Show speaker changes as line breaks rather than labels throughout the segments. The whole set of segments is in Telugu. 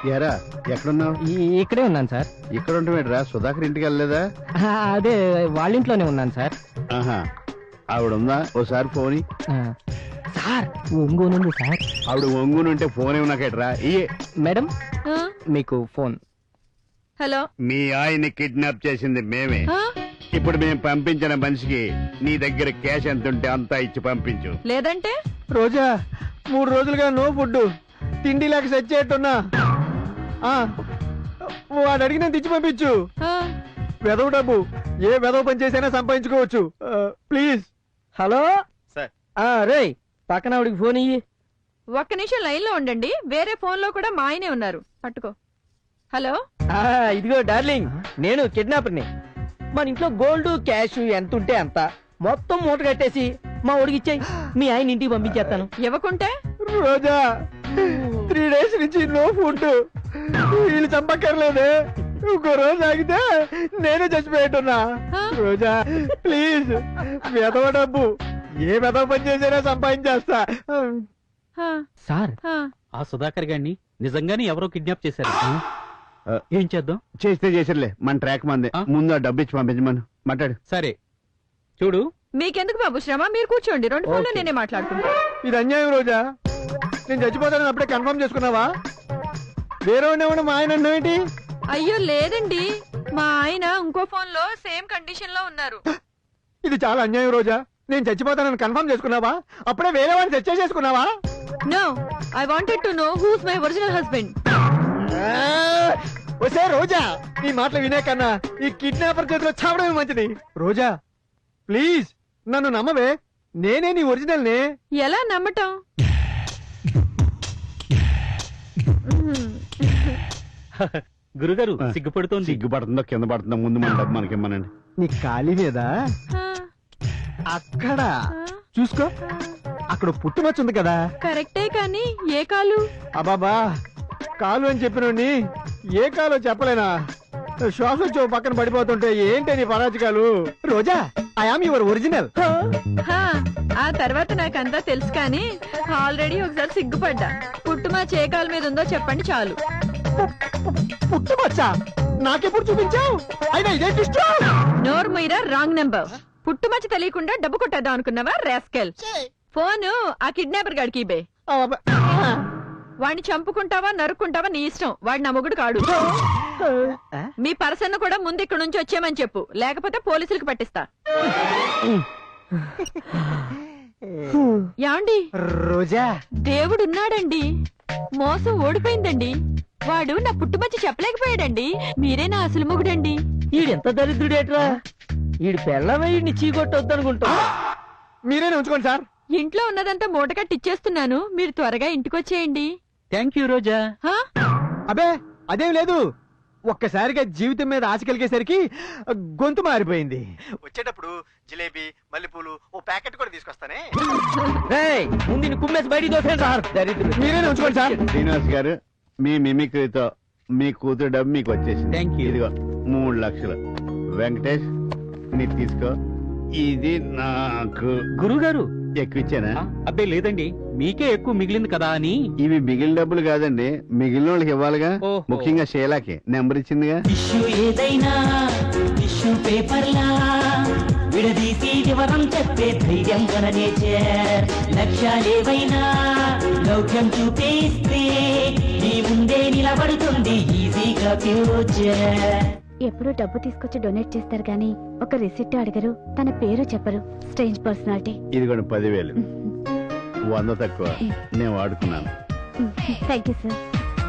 ఎరా ఎక్కడున్నావు?
ఇక్కడే ఉన్నాను సార్.
ఇక్కడ ఉంటామేట్రా? సుధాకర్ ఇంటికి వెళ్ళలేదా?
అదే వాళ్ళ ఇంట్లోనే ఉన్నాను సార్.
ఆహా, ఆవిడుందా? ఓసారి ఫోన్
సార్. ఒంగోనుంది సార్.
ఆవిడ ఒంగునుంటే ఫోన్ ఏమన్నాకేట్రా?
మేడం మీకు ఫోన్.
హలో.
మీ ఆయన్ని కిడ్నాప్ చేసింది మేమే. ఇప్పుడు మేము పంపించిన మనిషికి నీ దగ్గర క్యాష్ ఎంత ఉంటే అంతా ఇచ్చి పంపించు.
లేదంటే
రోజా 3 రోజులుగా నో ఫుడ్, తిండి లేక సచ్చేట్టున్నా. వాడు అడిగిన తెచ్చి పంపించు. వెదవ డబ్బు ఏ వెదవ పని చేసైనా సంపాదించుకోవచ్చు. ప్లీజ్. హలో రే, పక్కన ఆవిడికి ఫోన్ ఇయ్యి.
ఒక్క నిమిషం లైన్ లో ఉండండి. వేరే ఫోన్ లో కూడా మా ఆయనే ఉన్నారు. పట్టుకో. హలో.
ఇదిగో డార్లింగ్, నేను కిడ్నాపర్ని. మన ఇంట్లో గోల్డ్ క్యాష్ ఎంత ఉంటే అంత మొత్తం మూట కట్టేసి మా ఊడికి ఇచ్చాయి. మీ ఆయన ఇంటికి పంపించేస్తాను.
ఇవ్వకుంటే
రోజా 3 డేస్ నుంచి నో ఫుడ్. వీళ్ళు చంపక్కర్లేదే. ఇంకో రోజు ఆగితే నేనే చచ్చిపోయేట్టున్నా. రోజా ప్లీజ్, వెదవ డబ్బు ఏ వెదవ పని చేసినా సంపాదించేస్తా.
సార్, ఆ సుధాకర్ గారిని నిజంగానే ఎవరో కిడ్నాప్ చేశారు. ఏం చేద్దాం?
చేస్తే చేసిర్లే, మన ట్రాక్ మంది. ముందు ఆ డబ్బు ఇచ్చి పంపించమను. మాట్లాడు.
సరే చూడు.
మీకెందుకు బాబు శ్రమ? మీరు కూర్చోండి. 2 ఫోన్లు నేనే మాట్లాడుకుంటా.
ఇది అన్యాయం రోజా. నేను చచ్చిపోతానని అప్పుడే కన్ఫర్మ్ చేసుకున్నావా? వేరే ఉండేవాడు మా ఆయన అన్నావేంటి?
అయ్యో లేదండి, మా ఆయన ఇంకో ఫోన్ లో సేమ్ కండిషన్ లో ఉన్నారు.
ఇది చాలా అన్యాయం రోజా. నేను చచ్చిపోతానని కన్ఫర్మ్ చేసుకున్నావా? అప్పుడే వేరే వాడిని చర్చ చేసుకున్నావా?
No, I wanted to know who's my original husband.
వసే రోజా, నీ మాటలు వినే కన్నా ఈ కిడ్నాపర్ చేతిలో చావడమే మంచిది. రోజా ప్లీజ్ నన్ను నమ్మవే, నేనే నీ ఒరిజినల్ నే.
ఎలా నమ్మటం?
గురుగారు సిగ్గుపడుతోంది.
సిగ్గుపడుతుందో కింద పడుతుందో ముందు మన డబ్బు మనకిమ్మనండి.
నీ ఖాళీ మీద అక్కడ చూసుకో, అక్కడ పుట్టుమచ్చ ఉంది కదా.
కరెక్టే, కానీ ఏ కాలు?
అబాబా, కాలు అని చెప్పినోడిని ఏ కాలో చెప్పలేనా? శ్వాస వచ్చి పక్కన పడిపోతుంటే ఏంటి నీ పరాజకాలు? Roja, I am your original.
ఆ తర్వాత నాకంతా తెలుసు, కానీ ఆల్రెడీ ఒకసారి సిగ్గుపడ్డా. పుట్టుమా చేకాల మీద ఉందో చెప్పండి చాలు.
పుట్టుమచ్చా? నాకెప్పుడు చూపించావు? అయినా ఇదే ట్విస్ట్.
నోర్ మీరా, రాంగ్ నెంబర్. పుట్టుమచ్చ తెలియకుండా డబ్బు కొట్టేద్దాం అనుకున్నావా రాస్కెల్? ఫోను ఆ కిడ్నాపర్ గాడికి ఇబే. వాడిని చంపుకుంటావా నరుక్కుంటావా నీ ఇష్టం. వాడి నా మొగుడు కాడు. మీ పర్సన్ కూడా ముందు ఇక్కడ నుంచి వచ్చేయమని చెప్పు, లేకపోతే పోలీసులకు పట్టిస్తా. యాండి
రోజా,
దేవుడున్నాడండి, మోసం ఓడిపోయిందండి. వాడు నా పుట్టుమచ్చి చెప్పలేకపోయాడండి. మీరే నా అసలు మొగుడండి.
ఈడెంత దరిద్రుడేట్రా. ఈడు పెళ్ళమయ్యి చీకొట్టొద్దనుకుంటా. మీరేనే ఉంచుకోండి సార్.
ఇంట్లో ఉన్నదంతా మూటకట్టి ఇచ్చేస్తున్నాను, మీరు త్వరగా ఇంటికొచ్చేయండి.
థ్యాంక్ యూ రోజా.
అబే అదేం లేదు, ఒక్కసారిగా జీవితం మీద ఆశ కలిగేసరికి గొంతు మారిపోయింది. వచ్చేటప్పుడు జిలేబీ, మల్లెపూలు ఓ ప్యాకెట్ కూడా తీసుకొస్తానే. ముందు కుమ్మేసి బయటికి దోసేయండి సార్. దరిద్రుడు. మీరేనే ఉంచుకోండి సార్.
శ్రీనివాస్ గారు, మీ మిమిక్రీతో మీ కూతురు డబ్బు మీకు వచ్చేసింది.
Thank you.
ఇదిగో 3 లక్షలు. వెంకటేష్ నీకు తీసుకో. ఇది నాకు.
గురుగారు
ఎక్కువ ఇచ్చానా?
అబ్బే లేదండి, మీకే ఎక్కువ మిగిలింది కదా అని.
ఇవి మిగిలిన డబ్బులు కాదండి, మిగిలిన వాళ్ళకి ఇవ్వాలిగా.
ఓహో.
ముఖ్యంగా షేలాకి నెంబర్ ఇచ్చిందిగా.
ఇష్యూ ఏదైనా టిష్యూ పేపర్లా విడదీసి వివరం చెప్పే ధైర్యం మన నేచర్. లక్ష్యాలేవైనా లౌక్యం చూపిస్తే నీ ముందే నిలబడుతుంది ఈజీగా ఫ్యూచర్.
ఎప్పుడు డబ్బు తీసుకొచ్చి డొనేట్ చేస్తారు గానీ ఒక రిసిప్ట్ అడగరు, తన పేరు చెప్పరు. Strange personality.
ఇది కూడా 10,000. 100 తక్కువ, నేను వాడుకున్నాను.
Thank you sir.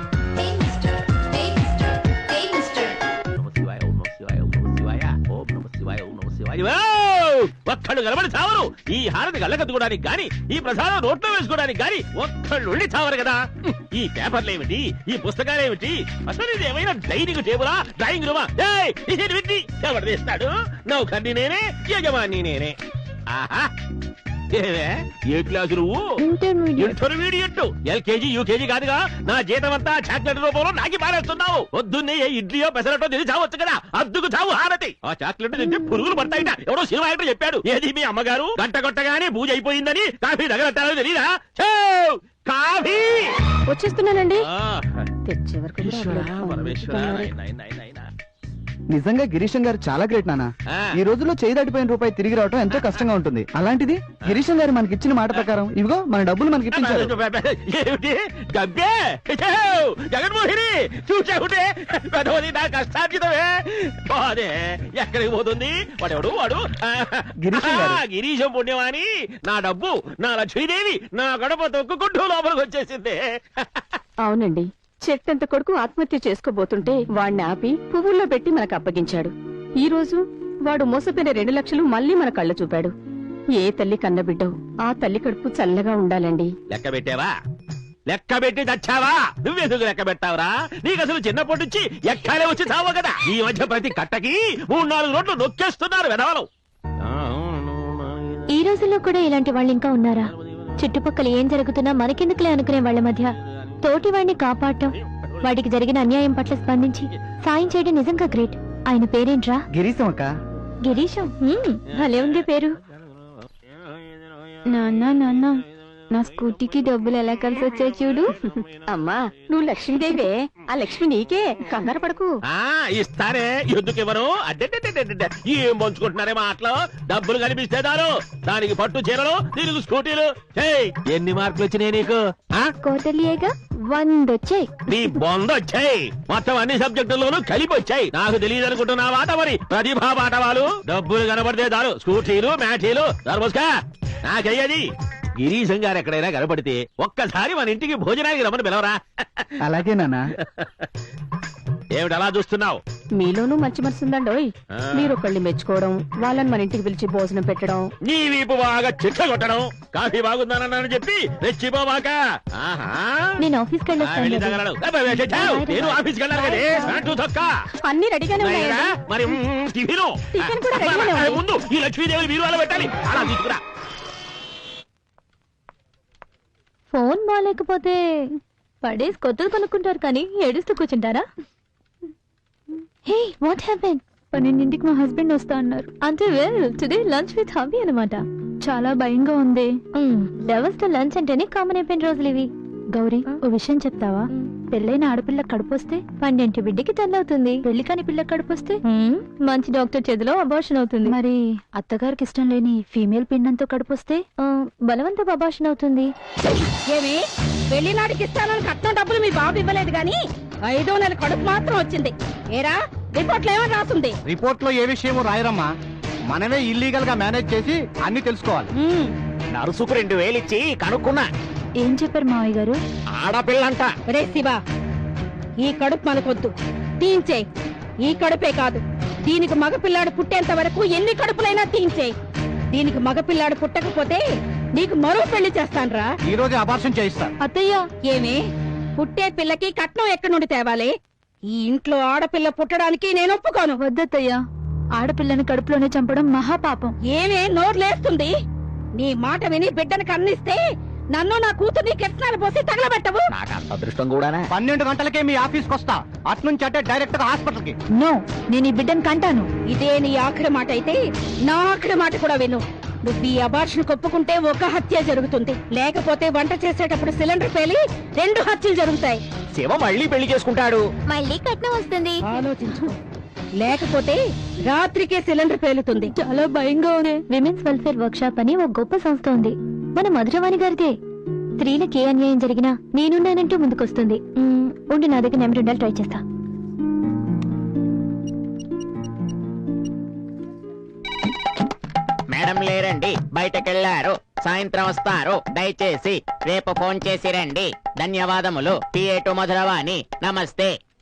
ఒక్కళ్ళు కలబడి చావరు. ఈ హారతి గల్లకత్తుకోవడానికి గాని, ఈ ప్రసాదం నోట్లో వేసుకోవడానికి గాని ఒక్కళ్ళు ఉండి చావరు కదా. ఈ పేపర్లేమిటి, ఈ పుస్తకాలేమిటి, అసలు ఇది ఏమైనా డైనింగ్ టేబులా, డ్రాయింగ్ రూమా? ఎవరు తీస్తాడు? నౌకర్ని నేనే, యజమాని నేనే. ఆహా, ఏ క్లాసు నువ్వు? ఇంటర్మీడియట్. ఎల్కేజీ యూకేజీ కాదుగా. నా జీతం అంతా చాక్లెట్ రూపంలో నాకి పారేస్తున్నావు. పొద్దున్నే ఏ ఇడ్లీయో పెసరటో తిని చావచ్చు కదా. అద్దుకు చావు హారతి. ఆ చాక్లెట్ తింటే పురుగులు పడతాయిట. ఎవడో సినిమా యాక్టర్ చెప్పాడు. ఏది మీ అమ్మగారు గంట కొట్టగానే పూజ అయిపోయిందని కాఫీ దగ్గరట్టాలో తెలీదా? కాఫీ.
వచ్చేస్తున్నానండి.
ఆ,
తెచ్చే వరకు కూడా
ఈశ్వరా,
అక్కడ
పరమేశ్వరా,
పంపించుకున్నారు.
నాయనా, నాయనా, నాయనా.
నిజంగా గిరీశం గారు చాలా గ్రేట్ నాన్న.
ఆ.
ఈ రోజుల్లో చేయి దాటిపోయిన రూపాయి తిరిగి రావడం ఎంతో కష్టంగా ఉంటుంది. అలాంటిది గిరీశం గారు మనకి ఇచ్చిన మాట ప్రకారం ఇవిగో మన డబ్బులు మనకి ఇప్పించారు.
ఏమిటి గబ్బే జగన్మోహిని చూసావుటే పెదవది నా కష్టార్జితమే. బాదే ఎక్కడికి పోతుంది వాడెవడు వాడు
గిరీశం గారు.
గిరీశం పుణ్యమాని నా డబ్బు నా లక్ష్మీదేవి నా గడప తొక్కుకుంటూ లోపలికి వచ్చేసింది.
అవునండి, చెట్టంత కొడుకు ఆత్మహత్య చేసుకోబోతుంటే వాణ్ణి ఆపి పువ్వుల్లో పెట్టి మనకు అప్పగించాడు. ఈ రోజు వాడు మోసపోయిన 2 లక్షలు మళ్ళీ మన కళ్ళ చూపాడు. ఏ తల్లి కన్నబిడ్డో ఆ తల్లి కడుపు చల్లగా ఉండాలండి.
లెక్క పెట్టావా? లెక్క పెట్టి తెచ్చావా? నువ్వెందుకు లెక్క పెట్టావురా? నీకు అసలు చిన్నప్పటి నుంచి ఎక్కాలే వచ్చి చావు కదా. ఈ మధ్య ప్రతి కట్టకి 3-4 రోడ్లు నొక్కేస్తున్నారు వెధవలు.
ఈ రోజుల్లో కూడా ఇలాంటి వాళ్ళు ఇంకా ఉన్నారా? చుట్టుపక్కల ఏం జరుగుతున్నా మనకెందుకులే అనుకునే వాళ్ళ మధ్య తోటి వాడిని కాపాడటం, వాడికి జరిగిన అన్యాయం పట్ల స్పందించి సాయం చేయడం నిజంగా గ్రేట్. ఆయన పేరేంట్రా?
గిరీశం అక్క.
గిరీశం. భలే ఉంది పేరు. నాన్న నాన్న, నా స్కూటీకి డబ్బులు ఎలా కలిసి వచ్చాయి చూడు.
అమ్మా, నువ్వు లక్ష్మీదేవే. ఆ లక్ష్మి నీకే, కంగారు పడకు.
ఆ ఇస్తారే, ఎందుకు ఇవ్వను? అడ్డే ఏం పంచుకుంటున్నారే మాటలు. డబ్బులు కనిపిస్తే చాలు దానికి పట్టు చీరలు, దీనికి స్కూటీలు. ఏయ్, ఎన్ని మార్కులు వచ్చినాయి నీకు?
కోటలియేగా 100 వచ్చాయి.
నీ బొంద వచ్చాయి. మొత్తం అన్ని సబ్జెక్టుల్లోనూ కలిపి వచ్చాయి. నాకు తెలియదు అనుకుంటున్నా వాట మరి ప్రతిభా పాఠవాలు. డబ్బులు కనబడితే చాలు స్కూటీలు మ్యాటీలు దర్బోస్కా నాకయ్యది. గిరీశం గారు ఎక్కడైనా కనపడితే ఒక్కసారి మన ఇంటికి భోజనానికి రమ్మని పిలవరా.
అలాగే నాన్న.
ఏమిటి అలా చూస్తున్నావు?
మీలోనూ మంచి మనసు ఉందండోయ్. మీరొకళ్ళని మెచ్చుకోవడం, వాళ్ళని మన ఇంటికి పిలిచి భోజనం పెట్టడం.
నీ వీపు బాగా చిట్ట కొట్టడం, కాఫీ బాగుందనని చెప్పి రెచ్చిపోవాక. ఆహా,
నేను ఆఫీస్కి
వెళ్ళి
వెళ్ళొస్తాను.
తగలడు. అబ్బే, చెచ్చావు. నేను ఆఫీస్కి వెళ్ళాను కదే. ప్యాంటు తొక్క.
అన్ని రెడీగానే ఉన్నాయండి.
మరి టిఫిను
టిఫిన్ కూడా రెడీగానే ఉంది.
ముందు ఈ లక్ష్మీదేవి మీరు అలా పెట్టాలి. అలా తీసుకురా.
ఫోన్ బాగాలేకపోతే పడేసి కొత్తది కొనుక్కుంటారు కానీ ఏడుస్తూ కూర్చుంటారా? హే, వాట్ హ్యాపెన్? 12ంటికి మా హస్బెండ్ వస్తా అన్నారు. అంటే well today lunch with hubby అన్నమాట. చాలా భయంగా ఉంది. లవర్స్ తో లంచ్ అంటేనే కామన్ అయిపోయిన రోజులు ఇవి. గౌరీ, ఓ విషయం చెప్తావా? పెళ్ళైన ఆడపిల్ల కడుపొస్తే 12 బిడ్డకి తల్లవుతుంది. పెళ్లి కాని పిల్ల కడుపొస్తే మంచి డాక్టర్ చేతిలో అబార్షన్ అవుతుంది. మరి అత్తగారికి ఇష్టం లేని ఫీమేల్ పిండంతో కడుపొస్తే బలవంత అబార్షన్ అవుతుంది.
ఏమి పెళ్లినాడికి ఇస్తానని కట్నం డబ్బులు మీ బాబు ఇవ్వలేదు గాని 5వ నెల కడుపు మాత్రం వచ్చింది. ఏరా, రిపోర్ట్లో ఏమని రాస్తుంది?
రిపోర్ట్ లో ఏ విషయమో రాయరమ్మా. మనమే ఇల్లీగల్ గా మేనేజ్ చేసి అన్ని తెలుసుకోవాలి.
నరుసుకు 2000 ఇచ్చి కనుక్కున్నా.
ఏం చెప్పారు మావయ్య గారు?
ఆడపిల్లంట.
రే శివా, ఈ కడుపు మనకొద్దు, తీయించే. ఈ కడుపే కాదు, దీనికి మగపిల్లాడు పుట్టేంత వరకు ఎన్ని కడుపులైనా తీయించే. దీనికి మగపిల్లాడు పుట్టకపోతే నీకు మరో పెళ్లి చేస్తాన్రా.
ఈ రోజు అబార్షన్ చేయిస్తా.
అత్తయ్య,
ఏమి పుట్టే పిల్లకి కట్నం ఎక్కడి నుండి తేవాలి? ఈ ఇంట్లో ఆడపిల్ల పుట్టడానికి నేను ఒప్పుకోను.
వద్దత్తయ్య, ఆడపిల్లని కడుపులోనే చంపడం మహాపాపం.
ఏమే నోర్లేస్తుంది? నీ మాట విని బిడ్డను కన్నిస్తే నన్ను నా కూతుర్ని కెట్నాలు పోసి తగలబెట్టవు.
నాకు అంత అదృష్టం కూడానా?
12 గంటలకే మీ ఆఫీస్కి వస్తా. అట్నుంచి అంటే డైరెక్ట్ గా హాస్పిటల్ కి.
నో, నేను ఈ బిడ్డను కంటాను.
ఇదే నీ ఆఖరి మాట అయితే నా ఆఖరి మాట కూడా విను. నువ్వు ఈ అబార్షన్ ఒప్పుకుంటే ఒక హత్య జరుగుతుంది, లేకపోతే వంట చేసేటప్పుడు సిలిండర్ పేలి 2 హత్యలు జరుగుతాయి.
శివ మళ్ళీ పెళ్లి చేసుకుంటాడు.
మళ్ళీ కట్నం వస్తుంది.
ఆలోచించు, లేకపోతే రాత్రికే సిలిండర్ పేలుతుంది.
చాలా భయంగా ఉంది. విమెన్స్ వెల్ఫేర్ వర్క్ షాప్ అని ఒక గొప్ప సంస్థ ఉంది, మన మధురవాణి గారిదే. స్త్రీలకు ఏ అన్యాయం జరిగినా నేనున్నానంటూ ముందుకొస్తుంది. ఉండి నా దగ్గర నెంబర్ ఉండాలి, ట్రై చేస్తా.
మేడం లేరండి, బయటకెళ్లారు. సాయంత్రం వస్తారు. దయచేసి రేపు ఫోన్ చేసి రండి. ధన్యవాదములు. PA2 మధురవాణి. నమస్తే.